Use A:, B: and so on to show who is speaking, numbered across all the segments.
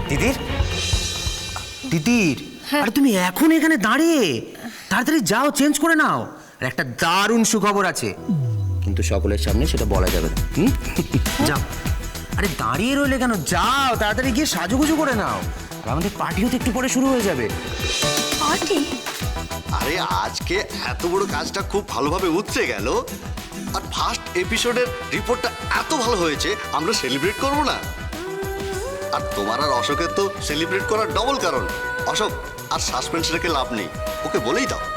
A: তিতির, তিতির, আরে তুমি এখন এখানে দাঁড়িয়ে? তাড়াতাড়ি যাও, চেঞ্জ করে নাও। আর একটা দারুণ সুখবর আছে, কিন্তু সকলের সামনে সেটা বলা যাবে না। যাও। আরে দাঁড়িয়ে রইলে কেন? যাও, তাড়াতাড়ি গিয়ে সাজুগুজু করে নাও। আর আমাদের পার্টিও তো একটু পরে শুরু হয়ে যাবে।
B: পার্টি?
C: আরে আজকে এত বড় কাজটা খুব ভালোভাবে উতরে গেল, আর ফার্স্ট এপিসোডের রিপোর্টটা এত ভালো হয়েছে, আমরা সেলিব্রেট করব না? আর তোমার আর অশোকের তো সেলিব্রেট করার ডবল কারণ। অশোক, আর সাসপেন্স রেখে লাভ নেই, ওকে বলেই দাও।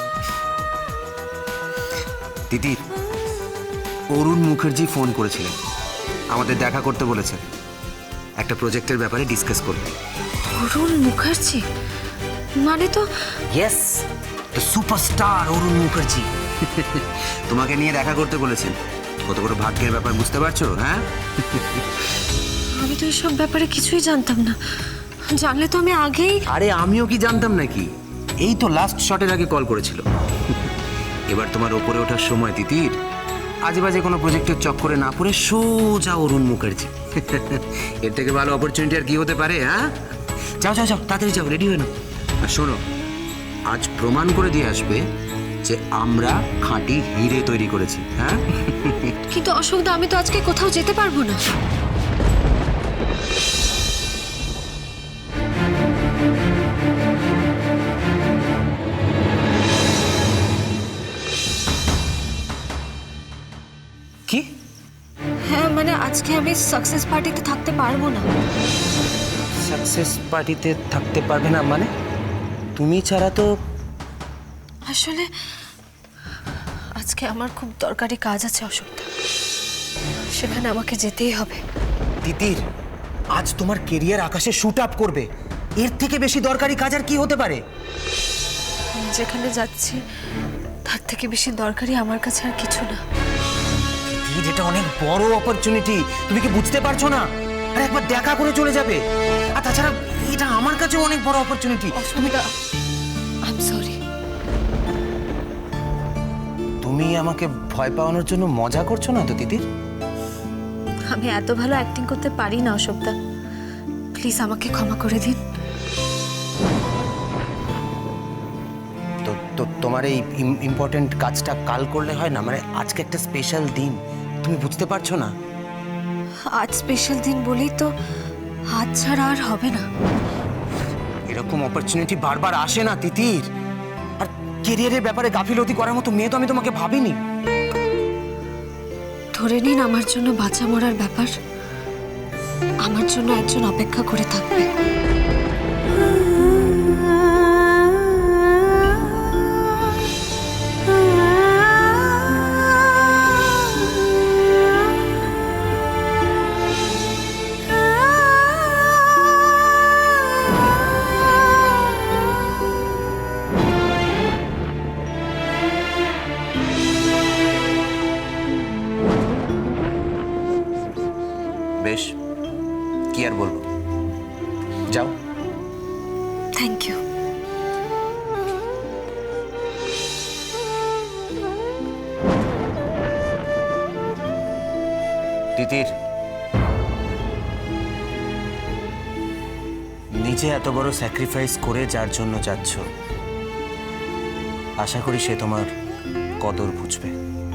A: তিতির, অরুণ মুখার্জি ফোন করেছিলেন, আমাদের দেখা করতে বলেছেন, একটা প্রজেক্টের ব্যাপারে ডিসকাস করতে।
B: অরুণ মুখার্জি মানে তো?
A: Yes, the superstar Arun Mukherjee তোমাকে নিয়ে দেখা করতে বলেছেন। কত বড় ভাগ্যের ব্যাপার, বুঝতে পারছো? হ্যাঁ,
B: আমি তো এসব ব্যাপারে কিছুই জানতাম না। জানলে তো আমি আগেই।
A: আরে আমিও কি জানতাম নাকি? এই তো লাস্ট শটের আগে কল করেছিল। এবার তোমার ওপরে ওঠার সময় তিতির। আজে বাজে কোনো প্রজেক্টের চক্করে না পড়ে সোজা অরুণ মুখার্জি। এর থেকে ভালো অপরচুনিটি আর কি হতে পারে? হ্যাঁ, যাও যাও যাও, তাড়াতাড়ি যাও, রেডি হয়ে নাও। আর শোনো, আজ প্রমাণ করে দিয়ে আসবে যে আমরা খাঁটি হিরে তৈরি করেছি। হ্যাঁ,
B: কিন্তু অশোকদা, আমি তো আজকে কোথাও যেতে পারবো না।
A: কি?
B: হ্যাঁ, মানে আজকে আমি সাকসেস পার্টিতে থাকতে পারবো না।
A: সাকসেস পার্টিতে থাকতে পারবে না মানে? তুমি ছাড়া তো।
B: আসলে আজকে আমার খুব দরকারি কাজ আছে অশোকদা, সেখানে আমাকে যেতেই হবে।
A: তিতির, আজ তোমার কেরিয়ার আকাশে শুট আপ করবে, এর থেকে বেশি দরকারি কাজ আর কি হতে পারে?
B: আমি যেখানে যাচ্ছি তার থেকে বেশি দরকারি আমার কাছে আর কিছু না।
A: তিতির, এটা অনেক বড় অপরচুনিটি, তুমি কি বুঝতে পারছো না? আর একবার দেখা করে চলে যাবে। আর তাছাড়া এটা আমার কাছেও অনেক বড় অপরচুনিটি।
B: অশোকদা, আই এম সরি।
A: তুমি আমাকে ভয় পাওয়ানোর জন্য মজা করছো না তো তিতির?
B: আমি এত ভালো অ্যাক্টিং করতে পারি না অশোকদা, প্লিজ আমাকে ক্ষমা করে দিন।
A: তো তো তোমার এই ইম্পর্টেন্ট কাজটা কাল করলে হয় না? মানে আজকে একটা স্পেশাল দিন, তুমি বুঝতে পারছো না?
B: আজ স্পেশাল দিন বলেই তো, আজ ছাড়া আর হবে না।
A: এরকম অপরচুনিটি বারবার আসে না তিতির। আর কেরিয়ারের ব্যাপারে গাফিলতি করার মতো মেয়ে তো আমি তোমাকে ভাবিনি।
B: ধরে নিন আমার জন্য বাঁচা মরার ব্যাপার, আমার জন্য একজন অপেক্ষা করে থাকবে।
A: বেশ, কি আর বলবো, যাও।
B: Thank you.
A: তিতির, নিজে এত বড় স্যাক্রিফাইস করে যার জন্য যাচ্ছ, আশা করি সে তোমার কদর বুঝবে।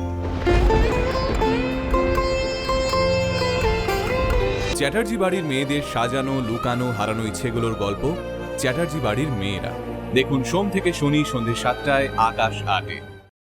D: চ্যাটার্জি বাড়ির মেয়েদের সাজানো, লুকানো, হারানো ইচ্ছেগুলোর গল্প চ্যাটার্জি বাড়ির মেয়েরা। দেখুন সোম থেকে শনি সন্ধ্যে 7টায় আকাশ 8-এ।